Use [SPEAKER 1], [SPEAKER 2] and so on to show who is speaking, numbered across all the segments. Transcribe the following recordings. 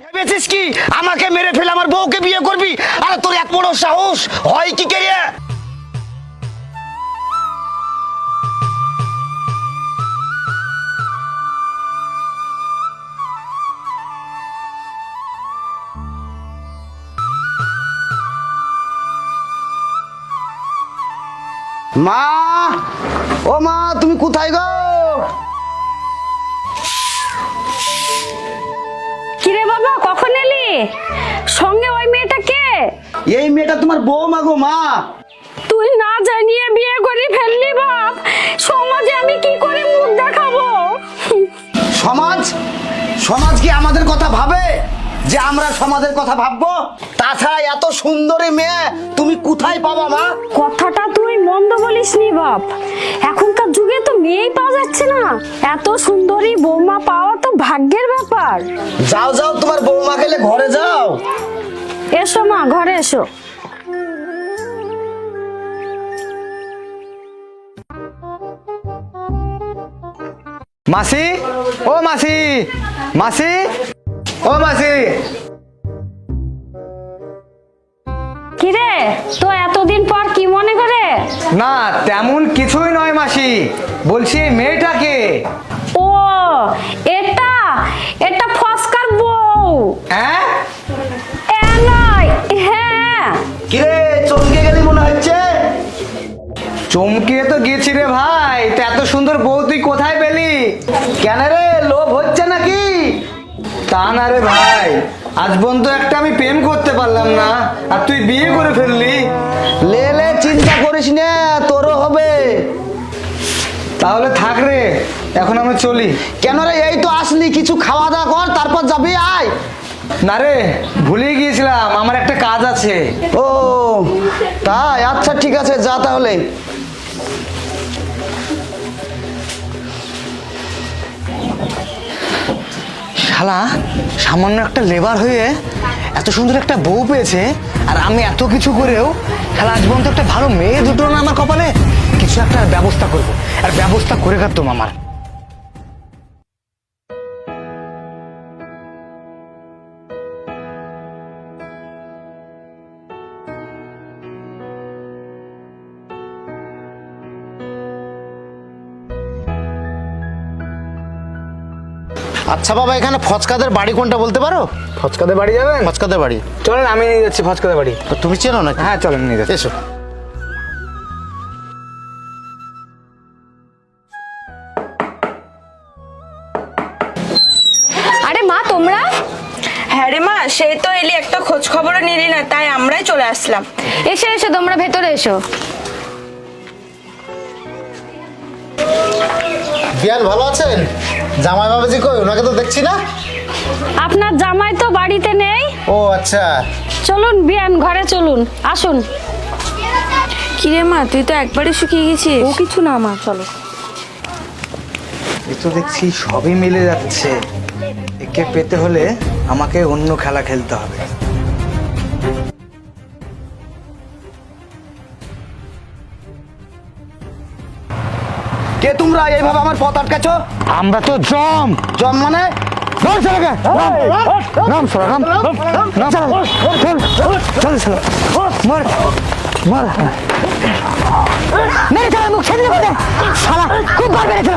[SPEAKER 1] ভেবেছিস কি আমাকে মেরে ফেলে আমার বউকে বিয়ে করবি? আরে তোর এক বড় সাহস হয় কি করে? মা, ও মা, তুমি কোথায় গো?
[SPEAKER 2] কিরে বাবা, কখন এলি? সঙ্গে ওই মেয়েটা কে?
[SPEAKER 1] এই মেয়েটা তোমার বৌমা গো মা।
[SPEAKER 2] তুই না জানিয়ে বিয়ে করে ফেললি বাপ। সমাজে আমি কি করে মুখ দেখাবো?
[SPEAKER 1] সমাজ সমাজ কি আমাদের কথা ভাবে যে আমরা সমাজের কথা ভাববো? তাছাড়া এত সুন্দরী মেয়ে তুমি কোথায় পাবা মা?
[SPEAKER 2] কথাটা তুই মন্দ বলিসনি বাপ। এখনকার যুগে তো মেয়েই পাওয়া যাচ্ছে না। এত সুন্দরী বৌমা পাওয়া তো ভাগ্যের ব্যাপার।
[SPEAKER 1] যাও যাও, তোমার বৌমা গেলে ঘরে যাও।
[SPEAKER 2] এসো মা, ঘরে এসো।
[SPEAKER 3] মাসি, ও মাসি, মাসি, ও মাসি।
[SPEAKER 2] কিরে, তো এতদিন পর কি মনে করে?
[SPEAKER 3] না তেমন কিছুই নয় মাসি, বলছি এই মেয়েটাকে।
[SPEAKER 2] ও, এটা এটা ফস্কার বউ।
[SPEAKER 3] হ্যাঁ
[SPEAKER 2] নয়, হ্যাঁ।
[SPEAKER 1] কিরে, চমকে গেলি মনে হচ্ছে?
[SPEAKER 3] চমকে তো গেছি রে ভাই। তা এত সুন্দর বউ তুই কোথায় পেলি?
[SPEAKER 1] কেন রে, লোভ হচ্ছে নাকি?
[SPEAKER 3] তা না রে ভাই, আজ পর্যন্ত একটা আমি প্রেম করতে পারলাম না, আর তুই বিয়ে করে ফেললি।
[SPEAKER 1] লে লে, চিন্তা করিস না, তোরও হবে।
[SPEAKER 3] তাহলে থাক রে, এখন আমি চলি।
[SPEAKER 1] কেন রে, এই তো আসলি, কিছু খাওয়া দাওয়া কর, তারপর যাবি। আয়।
[SPEAKER 3] না রে, ভুলে গিয়েছিলাম, আমার একটা কাজ আছে।
[SPEAKER 1] ও তাই, আচ্ছা ঠিক আছে, যা তাহলে।
[SPEAKER 3] শালা সামান্য একটা লেবার হয়ে এত সুন্দর একটা বউ পেয়েছে, আর আমি এত কিছু করেও শালা আজ পর্যন্ত একটা ভালো মেয়ে দুটো না আমার কপালে। কিছু একটা ব্যবস্থা করব, আর ব্যবস্থা করে কাটতাম আমার।
[SPEAKER 1] আচ্ছা বাবা, এখানে ফচকাদের বাড়ি কোনটা বলতে পারো?
[SPEAKER 3] ফচকাদের বাড়ি যাবেন?
[SPEAKER 1] ফচকাদের বাড়ি
[SPEAKER 3] চলেন, আমি নিয়ে যাচ্ছি ফচকাদের বাড়ি।
[SPEAKER 1] তো তুমি চেনো না?
[SPEAKER 3] হ্যাঁ চলেন, নিয়ে যাচ্ছি।
[SPEAKER 1] এসো।
[SPEAKER 2] আরে মা, তোমরা?
[SPEAKER 4] হ্যাঁ রে মা, সেই তো এলি, একটা খোঁজ খবরও নিলি না, তাই আমরাই চলে আসলাম।
[SPEAKER 2] এসো এসো, তোমরা ভেতরে এসো।
[SPEAKER 1] বিয়ান ভালো আছেন? জামাই বাবাজি কই? ওনাকে তো দেখছি না।
[SPEAKER 2] আপনার জামাই তো বাড়িতে নেই।
[SPEAKER 1] ও আচ্ছা।
[SPEAKER 2] চলুন বিয়ান, ঘরে চলুন, আসুন।
[SPEAKER 4] কিরে মা, তুই তো একবারে শুকিয়ে গেছিস।
[SPEAKER 2] ও কিছু না মা, চলো।
[SPEAKER 3] এ তো দেখছি সবই মিলে যাচ্ছে। একে পেতে হলে আমাকে অন্য খেলা খেলতে হবে।
[SPEAKER 1] কে তোমরা এইভাবে আমার পথ আটকাছো?
[SPEAKER 3] আমরা তো জম।
[SPEAKER 1] জম মানে?
[SPEAKER 3] নাম সালাকে, নাম সালা, নাম সালা, চল চল, মার মার, মেরে চল, মুখ ছেড়ে দে শালা, খুব বার মেরেছিল।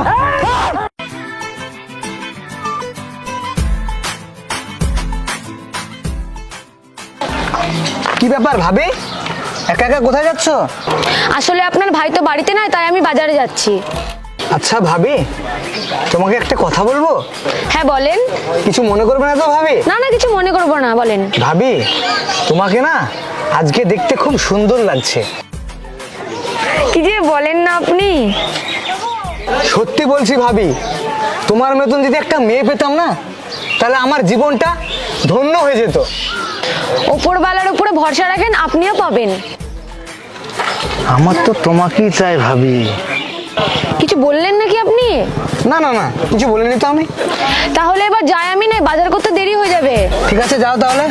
[SPEAKER 3] কি ব্যাপার ভাবি, একা একা কোথায় যাচ্ছ?
[SPEAKER 2] আসলে আপনার ভাই তো বাড়িতে নাই, তাই আমি বাজারে যাচ্ছি।
[SPEAKER 3] আচ্ছা ভাবি, তোমাকে একটা কথা বলবো?
[SPEAKER 2] হ্যাঁ বলেন।
[SPEAKER 3] কিছু মনে করবে না তো ভাবি?
[SPEAKER 2] না না, কিছু মনে করবো না, বলেন।
[SPEAKER 3] ভাবি, তোমাকে না আজকে দেখতে খুব সুন্দর লাগছে।
[SPEAKER 2] কি যে বলেন না আপনি।
[SPEAKER 3] সত্যি বলছি ভাবি, তোমার মতন যদি একটা মেয়ে পেতাম না, তাহলে আমার জীবনটা ধন্য হয়ে যেত।
[SPEAKER 2] ওপরওয়ালার উপরে ভরসা রাখেন, আপনিও পাবেন।
[SPEAKER 3] আমার তো তোমাকেই চাই ভাবি।
[SPEAKER 2] কিছু বললেন নাকি আপনি?
[SPEAKER 3] না না না, কিছু বলিনি তো আমি।
[SPEAKER 2] তাহলে এবার যাই আমি, না বাজার করতে দেরি হয়ে যাবে।
[SPEAKER 3] ঠিক আছে, যাও তাহলে।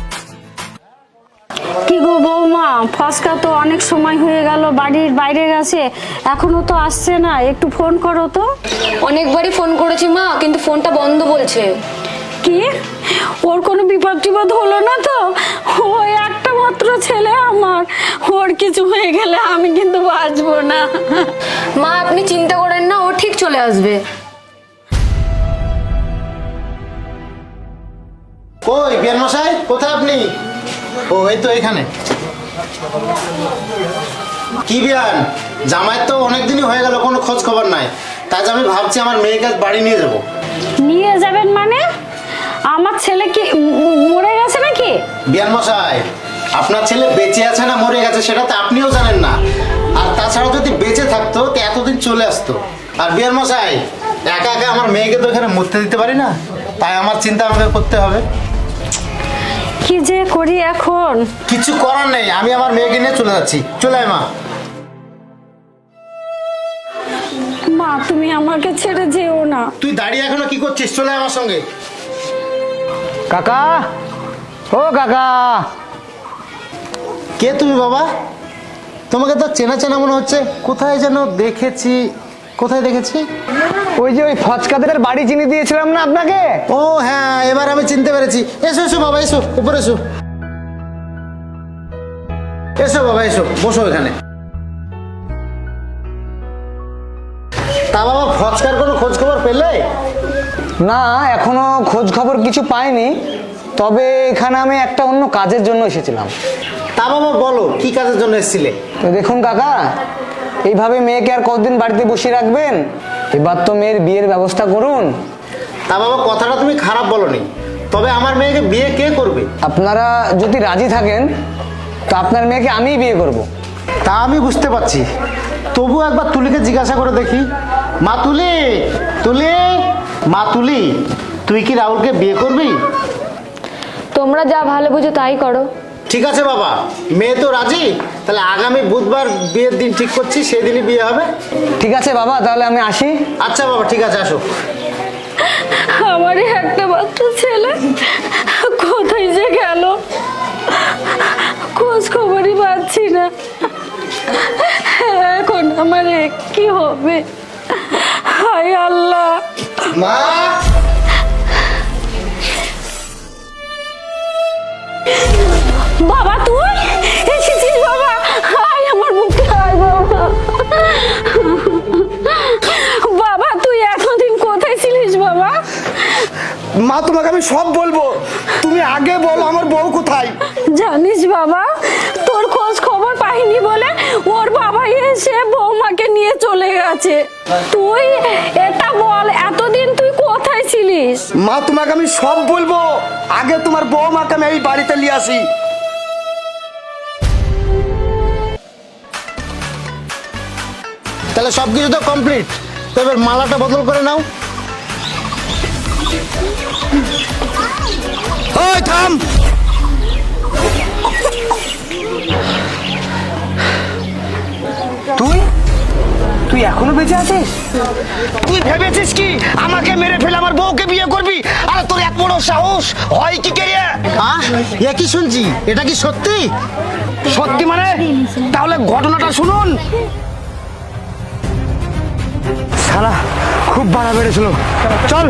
[SPEAKER 2] কি গো বৌমা, ফসকা তো অনেক সময় হয়ে গেল, বাড়ির বাইরে গেছে, এখনো তো আসছে না, একটু ফোন করো তো।
[SPEAKER 5] অনেকবারই ফোন করেছি মা, কিন্তু ফোনটা বন্ধ বলছে।
[SPEAKER 2] কি ওর কোনো বিপদ টিপদ হলো না তো? ওই একটা মাত্র ছেলে আমার, ওর কিছু হয়ে গেলে আমি কিন্তু বাঁচবো না।
[SPEAKER 5] মা আপনি চিন্তা করেন না, ও ঠিক চলে আসবে।
[SPEAKER 6] কই বিয়ান মশাই, কোথায় আপনি? ও এই তো এখানে। কি বিয়ান, জামাই তো অনেকদিনই হয়ে গেল, কোনো খোঁজ খবর নাই। তাই আমি ভাবছি আমার মেয়েকে আজ বাড়ি নিয়ে যাব।
[SPEAKER 2] নিয়ে যাবেন মানে? আমার ছেলে কি মরে গেছে নাকি?
[SPEAKER 6] বিয়ান মশাই, আপনার ছেলে বেঁচে আছে না মরে গেছে সেটা তো আপনিও জানেন না। আর তাছাড়া যদি বেঁচে থাকতো তো এতদিন চলে আসতো। আর বিয়ান মশাই, একা একা আমার মেয়েকে তো এখানে মরতে দিতে পারি না, তাই আমার চিন্তা আমাকে করতে হবে।
[SPEAKER 2] কি যে করি এখন?
[SPEAKER 6] কিছু করার নেই, আমি আমার মেয়েকে নিয়ে চলে যাচ্ছি। চলে আয় মা।
[SPEAKER 2] মা তুমি আমাকে ছেড়ে যেও না।
[SPEAKER 6] তুই দাঁড়িয়ে এখনো কি করছিস? চলে আয় আমার সঙ্গে।
[SPEAKER 3] কাকা, ও কাকা।
[SPEAKER 6] কে তুমি বাবা? তোমাকে তো চেনা চেনা মনে হচ্ছে, কোথায় যেন দেখেছি। কোথায় দেখেছি?
[SPEAKER 3] ওই যে ওই ফচকাদের বাড়ি চিনি দিয়েছিলাম না আপনাকে?
[SPEAKER 6] ও হ্যাঁ, এবার আমি চিনতে পেরেছি। এসো এসো বাবা, এসো উপরে এসো। এসো বাবা এসো, বসো এখানে। তা বাবা, ফচকার কোনো খোঁজ খবর পেলে?
[SPEAKER 3] না, এখনো খোঁজ খবর কিছু পাইনি। তবে এখানে আমি একটা অন্য কাজের জন্য এসেছিলাম।
[SPEAKER 6] তা বাবা বলো, কি কাজের জন্য এসেছিলে?
[SPEAKER 3] তো দেখুন কাকা, এইভাবে মেয়েকে আর কতদিন বাড়িতে বসিয়ে রাখবেন? এবার তো মেয়ের বিয়ের ব্যবস্থা করুন।
[SPEAKER 6] তা বাবা, কথাটা তুমি খারাপ বলনি, তবে আমার মেয়েকে বিয়ে কে করবে?
[SPEAKER 3] আপনারা যদি রাজি থাকেন তো আপনার মেয়েকে আমিই বিয়ে করব।
[SPEAKER 6] তা আমি বুঝতে পারছি, তবু একবার তুলিকে জিজ্ঞাসা করে দেখি। মা তুলি, তুলি, মা তুলি, তুই কি রাহুলকে বিয়ে করবি?
[SPEAKER 5] তোমরা যা ভালো বুঝো তাই করো।
[SPEAKER 6] ঠিক আছে বাবা, মেয়ে তো রাজি, তাহলে আগামী বুধবার বিয়ের দিন ঠিক করছি, সেদিনই বিয়ে হবে।
[SPEAKER 3] ঠিক আছে বাবা, তাহলে আমি আসি।
[SPEAKER 6] আচ্ছা বাবা, ঠিক আছে, আসো।
[SPEAKER 2] আমারই একটা মাত্র ছেলে কোথায় যে গেল, খোঁজ খবরই পাচ্ছি না। এখন আমার কি হবে? হায় আল্লাহ।
[SPEAKER 6] মা,
[SPEAKER 2] বাবা তুই এসেছিস? বাবা হায় আমার বুকে, হায় বাবা। বাবা তুই এতদিন কোথায় ছিলিস বাবা?
[SPEAKER 1] মা তোমাকে আমি সব বলবো, তুমি আগে বলো আমার বউ কোথায়?
[SPEAKER 2] জানিস বাবা, তোর খোঁজ খবর পাইনি বলে ওর বাবা এসে বৌমাকে নিয়ে চলে গেছে। তুই এটা বল, এতদিন তুই কোথায় ছিলিস?
[SPEAKER 1] মা তোমাকে আমি সব বলবো, আগে তোমার বৌমাকে আমি এই বাড়িতে নিয়ে আসি।
[SPEAKER 6] তাহলে সবকিছু তো কমপ্লিট, তো এবার মালাটা বদল করে নাও।
[SPEAKER 1] ওই থাম,
[SPEAKER 3] তুই তুই এখনো বেঁচে আছিস?
[SPEAKER 1] তুই ভেবেছিস কি আমাকে মেরে ফেলে আমার বউকে বিয়ে করবি? আর তোর এত বড় সাহস হয় কি কে?
[SPEAKER 6] এ কি শুনছি, এটা কি সত্যি?
[SPEAKER 1] সত্যি মানে? তাহলে ঘটনাটা শুনুন।
[SPEAKER 3] শালা খুব বাড়া বেড়েছিল। চল।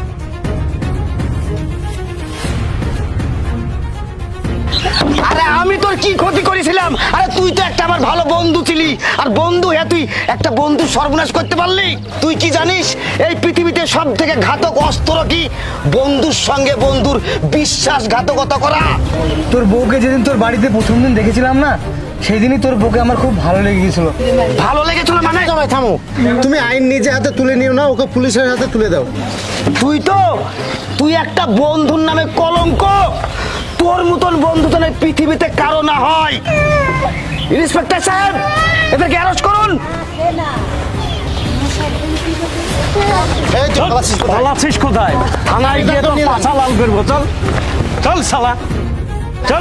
[SPEAKER 1] আরে আমি তোর কি ক্ষতি করেছিলাম? আরে তুই তো একটা আমার ভালো বন্ধু ছিলি, আর বন্ধু হ্যাঁ তুই একটা বন্ধু সর্বনাশ করতে পারলি? তুই কি জানিস এই পৃথিবীতে সব থেকে ঘাতক অস্ত্র কি? বন্ধুর সঙ্গে বন্ধুর বিশ্বাসঘাতকতা করা।
[SPEAKER 3] তোর বউকে যেদিন তোর বাড়িতে প্রথম দিন দেখেছিলাম না, সেই দিনই তোর বউকে আমার খুব ভালো লেগে গেছিল।
[SPEAKER 1] ভালো লেগেছিল মানে?
[SPEAKER 6] সবাই থামো, তুমি আইন নিজে হাতে তুলে নিও না, ওকে পুলিশের হাতে তুলে দাও।
[SPEAKER 1] তুই একটা বন্ধুর নামে কলঙ্ক। তোর মতন বন্ধু তো এই পৃথিবীতে কারো না হয়। ইন্সপেক্টর সাহেব, এদেরকে অ্যারেস্ট করুন।
[SPEAKER 6] এই তো পালাচ্ছিস কোথায়?
[SPEAKER 7] পালাচ্ছিস কোথায়? থানায় গিয়ে তো পাছা লাল করবো। চল চল শালা, চল।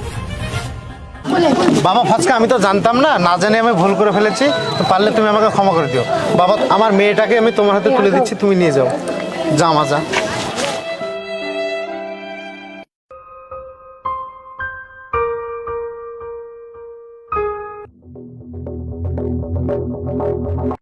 [SPEAKER 6] বাবা ফচকা, আমি তো জানতাম না, না জানি আমি ভুল করে ফেলেছি, তো পারলে তুমি আমাকে ক্ষমা করে দিও। বাবা, আমার মেয়েটাকে আমি তোমার হাতে তুলে দিচ্ছি, তুমি নিয়ে যাও। যা মা যা।